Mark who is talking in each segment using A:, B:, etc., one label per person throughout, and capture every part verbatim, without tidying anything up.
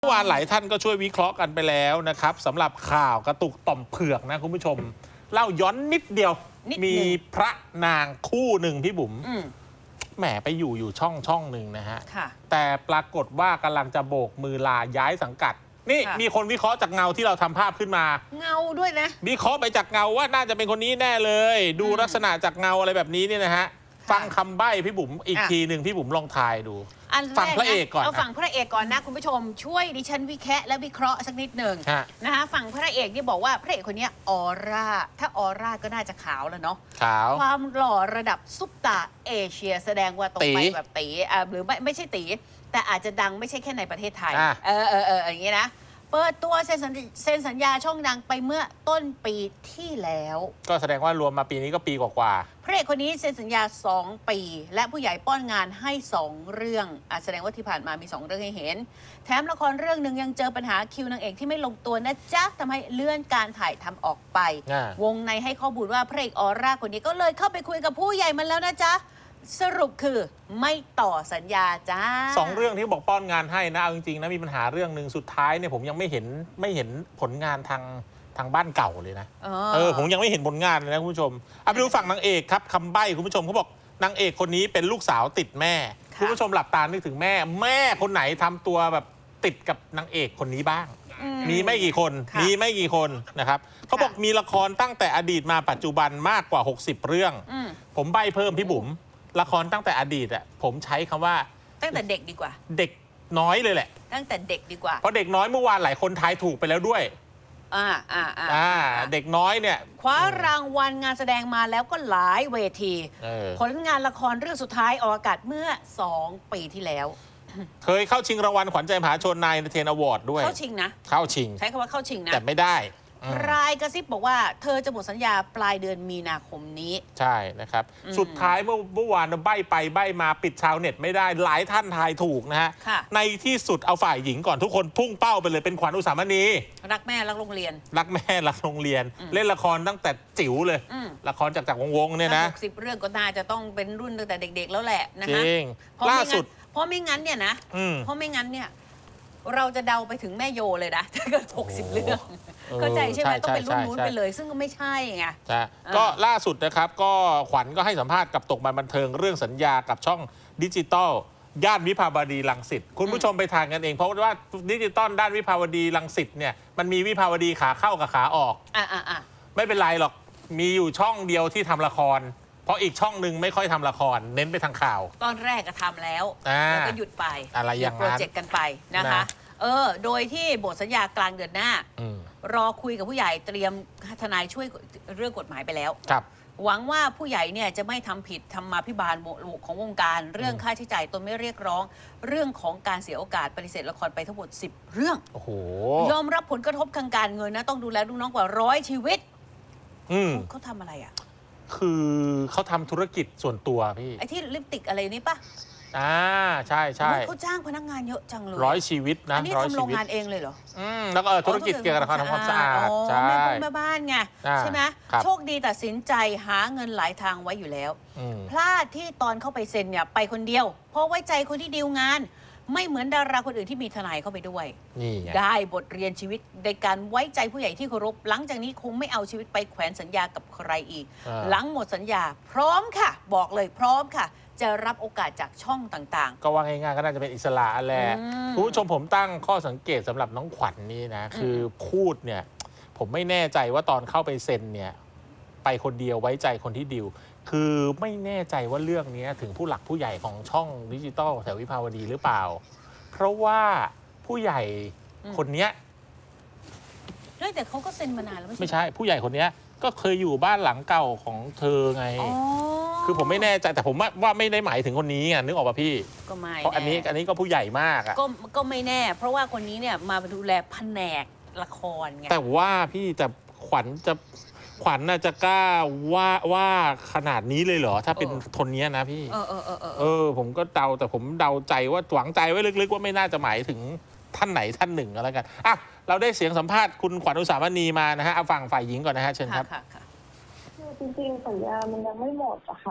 A: เมื่อวานหลายท่านก็ช่วยวิเคราะห์กันไปแล้วนะครับสำหรับข่าวกระตุกต่อมเผือกนะคุณผู้ชมเล่าย้อนนิดเดียวมีพระนางคู่หนึ่งพี่บุ๋มแหมไปอยู่อยู่ช่องช่องหนึ่งนะฮะแต่ปรากฏว่ากำลังจะโบกมือลาย้ายสังกัดนี่มีคนวิเคราะห์จากเงาที่เราทำภาพขึ้นมา
B: เงาด้วยนะ
A: วิเคราะห์ไปจากเงาว่าน่าจะเป็นคนนี้แน่เลยดูลักษณะจากเงาอะไรแบบนี้เนี่ยนะฮะฟังคำใบ้พี่บุ๋มอีกทีหนึ่งพี่บุ๋มลองทายดูฟังพระเอกก่อน
B: เอาฝั่งพระเอกก่อนนะคุณผู้ชมช่วยดิฉันวิเคราะห์และวิเคราะห์สักนิดหนึ่งนะคะฝั่งพระเอกนี่บอกว่าพระเอกคนนี้ออร่าถ้าออร่าก็น่าจะขาวแล้วเนาะ
A: ขาว
B: ความหล่อระดับซุปตาเอเชียแสดงว่าตรงไปแบบตีอ่าหรือไม่ไม่ใช่ตีแต่อาจจะดังไม่ใช่แค่ในประเทศไทยเออเออเอออย่างนี้นะเปิดตัวเซ็นสัญญาช่องดังไปเมื่อต้นปีที่แล้ว
A: ก็แสดงว่ารวมมาปีนี้ก็ปีกว่า
B: ๆพระเอกคนนี้เซ็นสัญญาสองปีและผู้ใหญ่ป้อนงานให้สองเรื่องอ่ะแสดงว่าที่ผ่านมามีสองเรื่องให้เห็นแถมละครเรื่องหนึ่งยังเจอปัญหาคิวนางเอกที่ไม่ลงตัวนะจ๊ะทำให้เลื่อนการถ่ายทำออกไปวงในให้ข้อมูลว่าพระเอกออร่าคนนี้ก็เลยเข้าไปคุยกับผู้ใหญ่มันแล้วนะจ๊ะสรุปคือไม่ต่อสัญญาจ้า
A: สองเรื่องที่บอกป้อนงานให้นะเอาจริงๆนะมีปัญหาเรื่องหนึ่งสุดท้ายเนี่ยผมยังไม่เห็นไม่เห็นผลงานทางทางบ้านเก่าเลยนะเออผมยังไม่เห็นผลงานเลยนะคุณผู้ชมเอาไปดูฝั่งนางเอกครับคำใบ้คุณผู้ชมเขาบอกนางเอกคนนี้เป็นลูกสาวติดแม่คุณผู้ชมหลับตานึกถึงแม่แม่คนไหนทำตัวแบบติดกับนางเอกคนนี้บ้างมีไม่กี่คนมีไม่กี่คนนะครับเขาบอกมีละครตั้งแต่อดีตมาปัจจุบันมากกว่าหกสิบเรื่องผมใบ้เพิ่มพี่บุ๋มละครตั้งแต่อดีตอ่ะผมใช้คำว่า
B: ตั้งแต่เด็กดีกว่า
A: เด็กน้อยเลยแหละ
B: ตั้งแต่เด็กดีกว่า
A: เพราะเด็กน้อยเมื่อวานหลายคนทายถูกไปแล้วด้วย
B: อ่าอ่า
A: อ่าเด็กน้อยเนี่ย
B: คว้ารางวัลงานแสดงมาแล้วก็หลายเวทีผลงานละครเรื่องสุดท้ายออกอากาศเมื่อสองปีที่แล้ว
A: เคยเข้าชิงรางวัลขวัญใจมหาชนนายเทนอวอร์ดด้วย
B: เข้าชิงนะ
A: เข้าชิง
B: ใช้คำว่าเข้าชิงนะ
A: แต่ไม่ได้
B: รายกระซิบบอกว่าเธอจะหมดสัญญาปลายเดือนมีนาคมนี้
A: ใช่นะครับสุดท้ายเมื่อเมื่อวานใบ้ไปใบ้มาปิดชาวเน็ตไม่ได้หลายท่านทายถูกนะฮะในที่สุดเอาฝ่ายหญิงก่อนทุกคนพุ่งเป้าไปเลยเป็นขวัญอุสามณี
B: รักแม่รักโรงเรียน
A: รักแม่รักโรงเรียนเล่นละครตั้งแต่จิ๋วเลยละครจากจากวงๆเนี่ยนะ
B: หกสิบเรื่องก็น่าจะต้องเป็นรุ่นตั้งแต่เด็กๆแล้วแหละนะฮะ
A: ล่าสุด
B: เพราะไม่งั้นเนี่ยนะเพราะไม่งั้นเนี่ยเราจะเดาไปถึงแม่โยเลยนะถ้าเกิดหกสิบเรื่องเข้าใจใช่ไหมต้องเป็นรุ่นนู้นไปเลยซึ่งก็ไม่ใช่ไง
A: ใช่ก็ล่าสุดนะครับก็ขวัญก็ให้สัมภาษณ์กับตกมาบันเทิงเรื่องสัญญากับช่องดิจิตอลย่านวิภาวดีรังสิตคุณผู้ชมไปทานกันเองเพราะว่าดิจิตอลด้านวิภาวดีรังสิตเนี่ยมันมีวิภาวดีขาเข้ากับขาออก
B: อ่าอ่าอ่า
A: ไม่เป็นไรหรอกมีอยู่ช่องเดียวที่ทำละครเพราะอีกช่องหนึ่งไม่ค่อยทำละครเน้นไปทางข่าว
B: ตอนแรกก็ทำแล้วแล้วก็หยุดไป
A: อะไรอย่าง
B: นั้นโปรเจกต์กันไปนะคะเออโดยที่บทสัญญากลางเดือนหน้ารอคุยกับผู้ใหญ่เตรียมทนายช่วยเรื่องกฎหมายไปแล้วหวังว่าผู้ใหญ่เนี่ยจะไม่ทำผิดธรรมาภิบาลของวงการเรื่องค่าใช้จ่ายตนไม่เรียกร้องเรื่องของการเสียโอกาสปฏิเสธละครไปทั้งหมดสิบเรื่อง
A: โอ้โห
B: ยอมรับผลกระทบทางการเงินนะต้องดูแลลูกน้องกว่าร้อยชีวิตเขาทำอะไรอ่ะ
A: คือเขาทำธุรกิจส่วนตัวพี่
B: ไอ้ที่ลิปติกอะไรนี่ปะ
A: อ่าใช่ใช่
B: เขาจ้างพนักงานเยอะจังเลย
A: ร้อยชีวิตนะ
B: อันนี้ทำโรงงานเองเลยเหรอ
A: อืมแล้วก็ธุรกิจเกี่ยวกับการทำความสะอาด
B: ใช่แม่บ้านไงใช่ไหมโชคดีตัดสินใจหาเงินหลายทางไว้อยู่แล้วพลาดที่ตอนเข้าไปเซ็นเนี่ยไปคนเดียวเพราะไว้ใจคนที่ดีลงานไม่เหมือนดาราคนอื่นที่มีทนายเข้าไปด้วยได้บทเรียนชีวิตในการไว้ใจผู้ใหญ่ที่เคารพหลังจากนี้คงไม่เอาชีวิตไปแขวนสัญญากับใครอีกหลังหมดสัญญาพร้อมค่ะบอกเลยพร้อมค่ะจะรับโอกาสจากช่องต่าง
A: ๆก็ว่าง่ายๆก็น่าจะเป็นอิสระแหละคุณผู้ชมผมตั้งข้อสังเกตสำหรับน้องขวัญ น, นี่นะคือพูดเนี่ยผมไม่แน่ใจว่าตอนเข้าไปเซ็นเนี่ยไปคนเดียวไว้ใจคนที่ดิวคือไม่แน่ใจว่าเรื่องนี้ถึงผู้หลักผู้ใหญ่ของช่องดิจิตอลแถววิภาวดีหรือเปล่าเพราะว่าผู้ใหญ่คนนี้
B: แต่เขาก็เซ็นมานานแล้ว
A: ไม่ใช่ผู้ใหญ่คนนี้ก็เคยอยู่บ้านหลังเก่าของเธอไงคือผมไม่แน่ใจแต่ผมว่าไม่ได้หมายถึงคนนี้ไงนึกออกป่ะพี่
B: ก็ไม่
A: เพราะอันนี้อันนี้ก็ผู้ใหญ่มากอ่ะ
B: ก็ก็ไม่แน่เพราะว่าคนนี้เนี่ยมาดูแลแผนกละครไง
A: แต่ว่าพี่แต่ขวัญจะขวัญน่าจะกล้าว่าว่าขนาดนี้เลยเหรอถ้าเป็นคนนี้นะพี่
B: เออเออเออ
A: เออผมก็เดาแต่ผมเดาใจว่าหวังใจไว้ลึกๆว่าไม่น่าจะหมายถึงท่านไหนท่านหนึ่งก็แล้วกันอ่ะเราได้เสียงสัมภาษณ์คุณขวัญอุสามณีมานะฮะเอาฟังฝ่ายหญิงก่อนนะฮะเชิญครับ
C: จริงๆสัญญามันยังไม่หมดอะค่ะ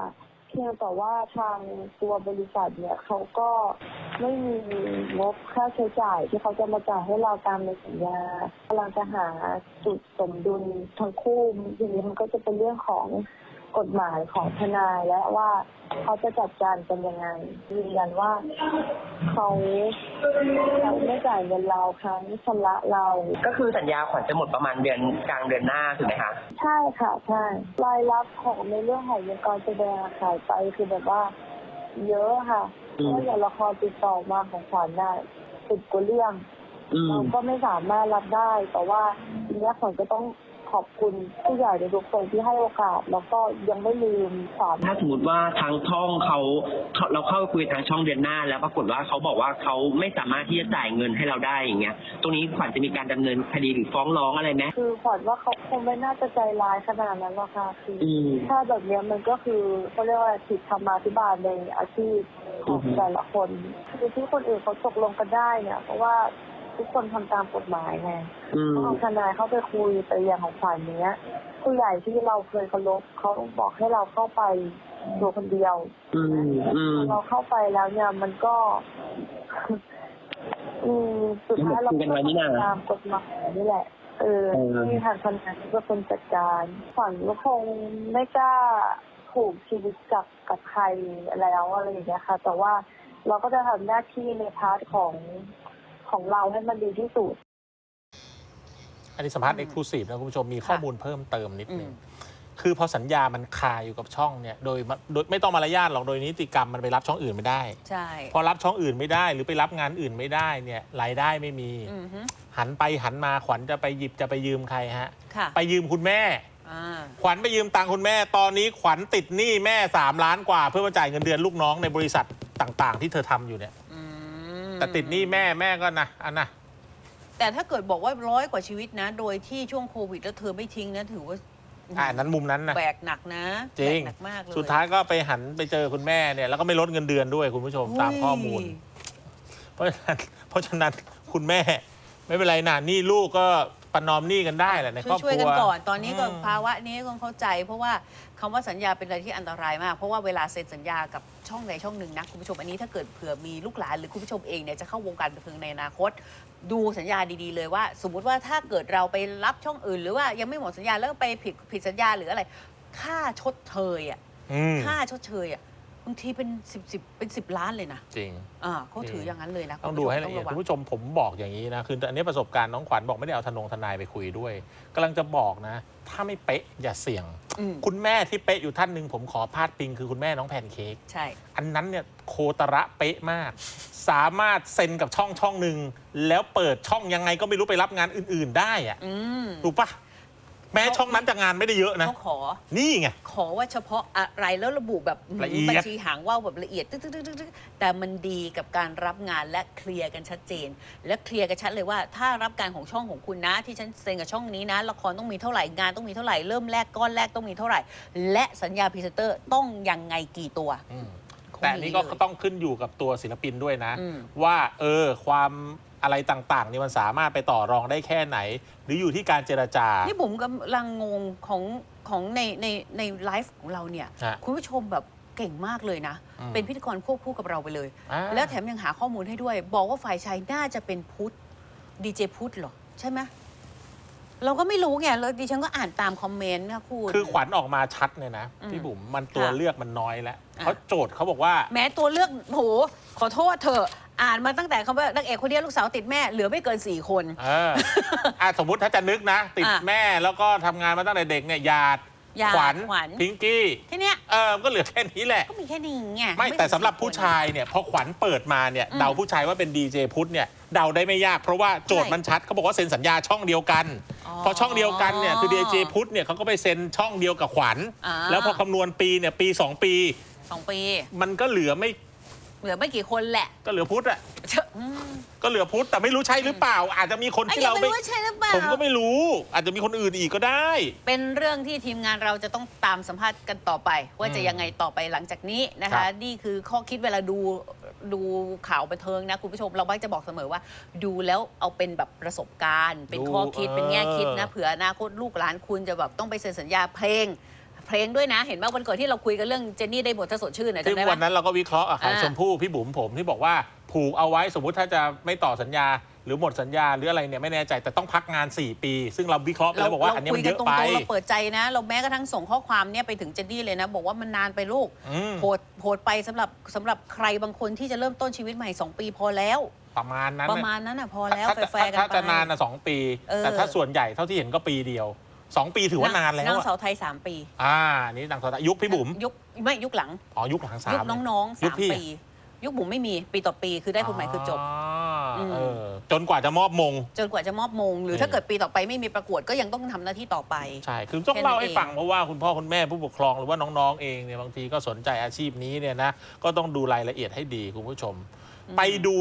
C: เพียงแต่ว่าทางตัวบริษัทเนี่ยเขาก็ไม่มีงบค่าใช้จ่ายที่เขาจะมาจ่ายให้เราตามในสัญญากำลังจะหาจุดสมดุลทั้งคู่ทีนี้มันก็จะเป็นเรื่องของกฎหมายของทนายและว่าเขาจะจัดการกันยังไงยืนยันว่าเขาเขาไม่จ่ายเงินเราครั้งชำระเรา
D: ก็คือสัญญาขวัญจะหมดประมาณเดือนกลางเดือนหน้าถูกไหมคะ
C: ใช่ค่ะใช่รายรับของในเรื่องของวงการแสดงขายไปคือแบบว่าเยอะค่ะเพราะอย่างละครติดต่อมาของขวัญได้สิบกว่าเรื่องเราก็ไม่สามารถรับได้แต่ว่าทีนี้ขวัญก็ต้องขอบคุณผู้ใหญ่ในทุกคนที่ให้โอกาสแล้วก็ยังไม่ลืมความ
D: ถ้าสมมติว่าทางช่องเขาเราเข้าคุยทางช่องเดือนหน้าแล้วปรากฏว่าเขาบอกว่าเขาไม่สามารถที่จะจ่ายเงินให้เราได้อย่างเงี้ยตรงนี้ขวัญจะมีการดำเนินคดีหรือฟ้องร้องอะไรไหม
C: คือขวัญว่าเขาคงไม่น่าจะใจร้ายขนาดนั้นหรอกค่ะคือถ้าแบบนี้มันก็คือเขาเรียกว่าผิดธรรมาภิบาลในอาชีพของแต่ละคนคือที่คนอื่นเขาตกลงกันได้เนี่ยเพราะว่าทุกคนทำตามกฎหมายไงเอาทนายเข้าไปคุยไปอย่างของขวัญเนี้ยผู้ใหญ่ที่เราเคยเคารพเขาบอกให้เราเข้าไปตัวคนเดียวเราเข้าไปแล้วเนี่ยมันก็อืมสุดท้ายเราก็ต้องตามกฎหมายนี่แหละเออที่ทางทนายเป็นคนจัดการขวัญก็คงไม่กล้าผูกชีวิตกับกับใครแล้วอะไรอย่างเงี้ยค่ะแต่ว่าเราก็จะทำหน้าที่ในพาร์ทของของเราให้มันดีที่สุด
A: อันนี้สัมภาษณ์เอ็กซ์คลูซีฟนะคุณผู้ชมมีข้อมูลเพิ่มเติมนิดนึงคือพอสัญญามันคาอยู่กับช่องเนี่ยโดยโดยไม่ต้องมารยาทหรอกโดยนิติกรรมมันไปรับช่องอื่นไม่ได้
B: ใช่
A: พอรับช่องอื่นไม่ได้หรือไปรับงานอื่นไม่ได้เนี่ยรายได้ไม่มีหันไปหันมาขวัญจะไปหยิบจะไปยืมใครฮะไปยืมคุณแม่ขวัญไปยืมตังค์คุณแม่ตอนนี้ขวัญติดหนี้แม่สามล้านกว่าเพื่อมาจ่ายเงินเดือนลูกน้องในบริษัทต่างๆที่เธอทำอยู่เนี่ยแต่ติดหนี้แม่แม่ก็นะอันนะ
B: แต่ถ้าเกิดบอกว่าร้อยกว่าชีวิตนะโดยที่ช่วงโควิดแล้วเธอไม่ทิ้งนะถือว่า
A: อ่านั้นมุมนั้นนะ
B: แบกหนักนะ
A: จริง
B: หนักมากเลย
A: สุดท้ายก็ไปหันไปเจอคุณแม่เนี่ยแล้วก็ไม่ลดเงินเดือนด้วยคุณผู้ชมตามข้อมูลเพราะฉะนั้นเพราะฉะนั้นคุณแม่ไม่เป็นไรนะนี่ลูกก็ประนอมหนี้กันได้แหละในครอบครัว
B: ช่วยกันก่อนตอนนี้ก็ภาวะนี้ก็เข้าใจเพราะว่าคำว่าสัญญาเป็นอะไรที่อันตรายมากเพราะว่าเวลาเซ็นสัญญากับช่องใดช่องหนึ่งนะคุณผู้ชมอันนี้ถ้าเกิดเผื่อมีลูกหลานหรือคุณผู้ชมเองเนี่ยจะเข้าวงการบันเทิงในอนาคตดูสัญญาดีๆเลยว่าสมมุติว่าถ้าเกิดเราไปรับช่องอื่นหรือว่ายังไม่หมดสัญญาแล้วไปผิดผิดสัญญาหรืออะไรค่าชดเชยอ่ะค่าชดเชยอ่ะบางทีเป็นสิบสิบเป็นสิบล้านเลยนะ
A: จริง
B: อ่าเขาถืออย่างนั้นเลยนะ
A: ต้องดูให้ละเอียดคุณผู้ชมผมบอกอย่างนี้นะคืออันนี้ประสบการณ์น้องขวัญบอกไม่ได้เอาทนงทนายไปคุยด้วยกำลังจะบอกนะถ้าไม่เป๊ะอย่าเสี่ยงคุณแม่ที่เป๊ะอยู่ท่านหนึ่งผมขอพาดพิงคือคุณแม่น้องแพนเค้ก
B: ใช่
A: อันนั้นเนี่ยโคตระเป๊ะมากสามารถเซ็นกับช่องช่องหนึ่งแล้วเปิดช่องยังไงก็ไม่รู้ไปรับงานอื่นๆได้อะถูกปะแม้ช่องนั้นจะงานไม่ได้เยอะนะ
B: เขาขอ
A: นี่ไง
B: ขอว่าเฉพาะอะไรแล้วระบุแบบบัญชีหางว่าวแบบละเอียดแต่มันดีกับการรับงานและเคลียร์กันชัดเจนและเคลียร์กันชัดเลยว่าถ้ารับการของช่องของคุณนะที่ฉันเซ็นกับช่องนี้นะละครต้องมีเท่าไหร่งานต้องมีเท่าไหร่เริ่มแรกก้อนแรกต้องมีเท่าไหร่และสัญญาพรีเซนเตอร์ต้องยังไงกี่ตัว
A: แต่นี่ก็ต้องขึ้นอยู่กับตัวศิลปินด้วยนะว่าเออความอะไรต่างๆนี่มันสามารถไปต่อรองได้แค่ไหนหรืออยู่ที่การเจรจา
B: นี่ผมกำลังงงของของในในในไลฟ์ของเราเนี่ยคุณผู้ชมแบบเก่งมากเลยนะเป็นพิธีกรควบคู่กับเราไปเลยแล้วแถมยังหาข้อมูลให้ด้วยบอกว่าฝ่ายชายน่าจะเป็นพุทธดีเจพุทธเหรอใช่ไหมเราก็ไม่รู้ไงแล้วดิฉันก็อ่านตามคอมเมนต์นะคุณ
A: คือขวัญออกมาชัดเลยนะพี่บุ๋มมันตัวเลือกมันน้อยแล้วเขาโจทย์เขาบอกว่า
B: แม้ตัวเลือกโหขอโทษเถอะอ่านมาตั้งแต่คำว่านางเอกคนเดียวลูกสาวติดแม่เหลือไม่เกินสี่คน
A: เอออ่ะสมมุติถ้าจะนึกนะติดแม่แล้วก็ทำงานมาตั้งแต่เด็กเนี่ยหยาดขวัญพิงกี้
B: ทีเนี้ย
A: เออก็เหลือแค่นี้แหละ
B: ก็มีแค่นี้ไง
A: ไม่แต่สำหรับผู้ชายเนี่ยพอขวัญเปิดมาเนี่ยเดาผู้ชายว่าเป็นดีเจพุทธเนี่ยเดาได้ไม่ยากเพราะว่าโจทย์มันชัดเขาบอกว่าเซ็นสัญญาช่องเดียวกันพอช่องเดียวกันเนี่ยคือดีเจพุทธเนี่ยเขาก็ไปเซ็นช่องเดียวกับขวัญแล้วพอคำนวณปีเนี่ยปีสองปี
B: สองปี
A: มันก็เหลือไม่
B: เหลือไม่กี่คนแหละ
A: ก็เหลือพุทธอะก็เหลือพุทธแต่ไม่รู้ใช่หรือเปล่าอาจจะมีคนที่เราไม่ผมก็ไม่รู้อาจจะมีคนอื่นอีกก็ได้
B: เป็นเรื่องที่ทีมงานเราจะต้องตามสัมภาษณ์กันต่อไปว่าจะยังไงต่อไปหลังจากนี้นะคะนี่คือข้อคิดเวลาดูดูข่าวบันเทิงนะคุณผู้ชมเราบ้างจะบอกเสมอว่าดูแล้วเอาเป็นแบบประสบการณ์เป็นข้อคิดเป็นแง่คิดนะเผื่ออนาคตลูกหลานคุณจะแบบต้องไปเซ็นสัญญาเพลงเพลงด้วยนะ เห็นไหมวันก่อนที่เราคุยกันเรื่องเจนนี่ได้บทถ้าสดชื่นนะ
A: ที่
B: จำได้ไหม
A: วันนั้นเราก็วิเคราะห์อะค่ะ
B: อ่า
A: ชมพู่พี่บุ๋มผมที่บอกว่าผูกเอาไว้สมมุติถ้าจะไม่ต่อสัญญาหรือหมดสัญญาหรืออะไรเนี่ยไม่แน่ใจแต่ต้องพักงานสี่ปี ซึ่งเราวิเคราะห์ไปแล้วบอกว่าอันนี้มันเยอะไป
B: คุยกันตรงๆเราเปิดใจนะ เราแม้กระทั่งส่งข้อความเนี่ยไปถึงเจนนี่เลยนะ บอกว่ามันนานไปลูก
A: อืม
B: โหดโหดไปสำหรับสำหรับใครบางคนที่จะเริ่มต้นชีวิตใหม่สองปีพอแล้ว
A: ประมาณนั้น
B: ประ
A: น่ะ
B: มาณนั้นอ่ะพอแล้ว
A: ถ้า
B: แฟร์ๆกัน
A: ถ้า
B: ไป
A: จะนานนะสองปี
B: เออ
A: แต่ถ้าส่วนใหญ่เท่าที่เห็นก็ปีเดียวสองปีถือว่านานแล้ว
B: นาง
A: อะ
B: สาวไทยสามปี
A: อ่านี่นางสาวไทยยุคพี่บุ๋ม
B: ยุคไม่ยุคหลัง
A: อ๋อยุคหลังสาม
B: ยุคน้องๆ
A: ยุ
B: สา
A: ค
B: ม
A: พี่
B: ปี ยุคบุ๋มไม่มีปีต่อปีคือได้คนใหม่คือจบ
A: อ๋อ
B: ม
A: เออจนกว่าจะมอบมง
B: จนกว่าจะมอบมง หรือ
A: เออ
B: ถ้าเกิดปีต่อไปไม่มีประกวดก็ยังต้องทำหน้าที่ต่อไป
A: ใช่ คือต้อง
B: แค่นั้น
A: เล่าให้
B: เอง
A: ฟังเพราะว่าคุณพ่อคุณแม่ผู้ปกครองหรือว่าน้องๆเองเนี่ยบางทีก็สนใจอาชีพนี้เนี่ยนะก็ต้องดูรายละเอียดให้ดีคุณผู้ชม ไปดู